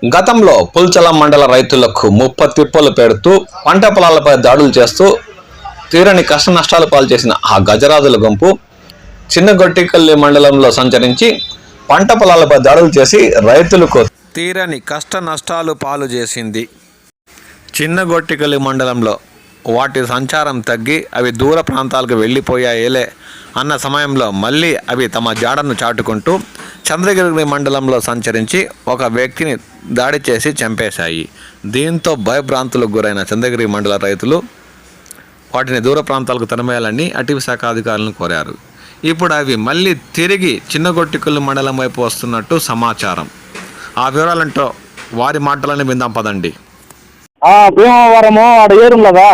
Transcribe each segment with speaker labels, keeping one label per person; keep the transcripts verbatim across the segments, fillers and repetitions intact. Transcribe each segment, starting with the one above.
Speaker 1: గతంలో పుల్చల మండల రైతులకు ముప్ప తిప్పలు పెడుతూ పంట పొలాలపై దాడులు చేస్తూ తీరని కష్ట నష్టాలు పాలు చేసిన ఆ గజరాజుల గుంపు చిన్నగొట్టికల్లి మండలంలో సంచరించి పంట పొలాలపై దాడులు చేసి రైతులకు తీరని కష్ట నష్టాలు పాలు చేసింది. చిన్నగొట్టికల్లి మండలంలో వాటి సంచారం తగ్గి అవి దూర ప్రాంతాలకు వెళ్ళిపోయాయేలే అన్న సమయంలో మళ్ళీ అవి తమ జాడను చాటుకుంటూ చంద్రగిరి మండలంలో సంచరించి ఒక వ్యక్తిని దాడి చేసి చంపేశాయి. దీంతో భయభ్రాంతులకు గురైన చంద్రగిరి మండల రైతులు వాటిని దూర ప్రాంతాలకు తరిమేయాలని అటవీ శాఖ అధికారులను కోరారు. ఇప్పుడు అవి మళ్ళీ తిరిగి చిన్నగొట్టికల్లి మండలం వైపు వస్తున్నట్టు సమాచారం. ఆ వివరాలంటో వారి మాటలని విందాం పదండి.
Speaker 2: భీమవరము ఆడ ఏరుండదా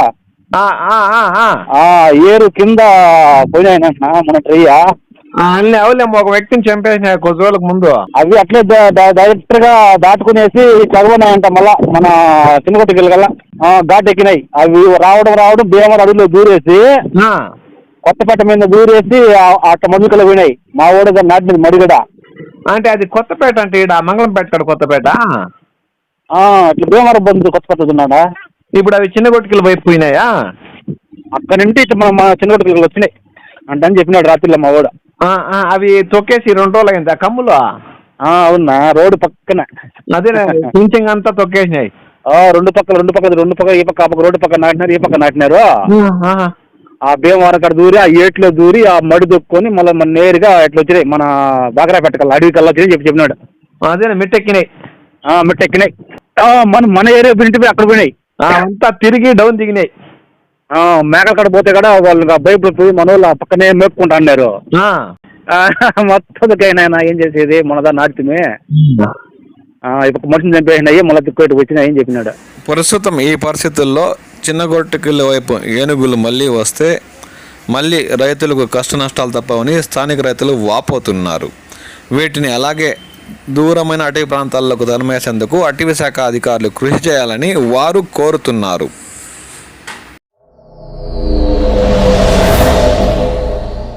Speaker 2: ఏరు కింద పోయినాయన మన ట్రయ్యా
Speaker 1: అన్నీ అవులేము. ఒక వ్యక్తిని చంపేసిన కొద్ది రోజులకు ముందు
Speaker 2: అవి అట్లే డైరెక్ట్ గా దాటుకునేసి చదవనాయంట. మళ్ళా మన చిన్నగొట్టికల్లి కల్లా ఘాట్ ఎక్కినాయి. అవి రావడం రావడం భీమవరం అడవిలో దూరేసి కొత్తపేట మీద దూరేసి అట్ట మధుకలు పోయినాయి. మా ఓడ నాటినది మడిగడ.
Speaker 1: అంటే అది కొత్తపేట అంటే ఇక్కడ మంగళంపేట కాడ కొత్తపేట
Speaker 2: ఇట్లా భీమవరం బంధు కొత్తపేట ఉన్నాడా.
Speaker 1: ఇప్పుడు అవి చిన్నగొట్టికలు వైపు పోయినాయా?
Speaker 2: అక్కడి నుండి ఇట్లా మన చిన్నగొట్టికలు వచ్చినాయి అంటే అని చెప్పినాడు రాత్రిలో మా ఓడ.
Speaker 1: అవి తొక్కేసి రెండు రోజులు అయింది ఆ కమ్ములు.
Speaker 2: అవునా, రోడ్డు పక్కన
Speaker 1: అదే పింఛంగ్ అంతా తొక్కేసినాయి.
Speaker 2: రెండు పక్కల రెండు పక్కల రెండు పక్కల ఈ పక్క ఆ పక్క రోడ్డు పక్కన నాటినారు, ఈ పక్క నాటినారు. ఆ భీమవరం కాడ దూరి ఆ ఏట్లో దూరి ఆ మడి దొక్కుని మళ్ళీ మన నేరుగా ఇట్లా వచ్చినాయి మన బాగరాపేట కల్లా అడవి కల్లా వచ్చి చెప్పి చెప్పినాడు.
Speaker 1: అదే మిట్టెక్కినాయి
Speaker 2: మిట్టెక్కినాయి మన మన ఏరియా బింటి అక్కడ పోయినాయి.
Speaker 1: అంతా తిరిగి డౌన్ దిగినాయి.
Speaker 2: మేకల కాడ పోతే కూడా వాళ్ళు బైబుల్ పోయి మన వాళ్ళు పక్కనే మేపుకుంటా అన్నారు. మొత్తం ఏం చేసేది మనదా నాటిమే ఇప్పుడు మనిషిని చంపేసినాయి మళ్ళీ తిక్కోటి వచ్చినాయి అని చెప్పినాడు.
Speaker 1: ప్రస్తుతం ఈ పరిస్థితుల్లో చిన్నగొట్టికల్లి వైపు ఏనుగులు మళ్ళీ వస్తే మళ్ళీ రైతులకు కష్ట నష్టాలు తప్పవని స్థానిక రైతులు వాపోతున్నారు. వీటిని అలాగే దూరమైన అటవీ ప్రాంతాలకు తరిమేసేందుకు అటవీ శాఖ అధికారులు కృషి చేయాలని వారు కోరుతున్నారు.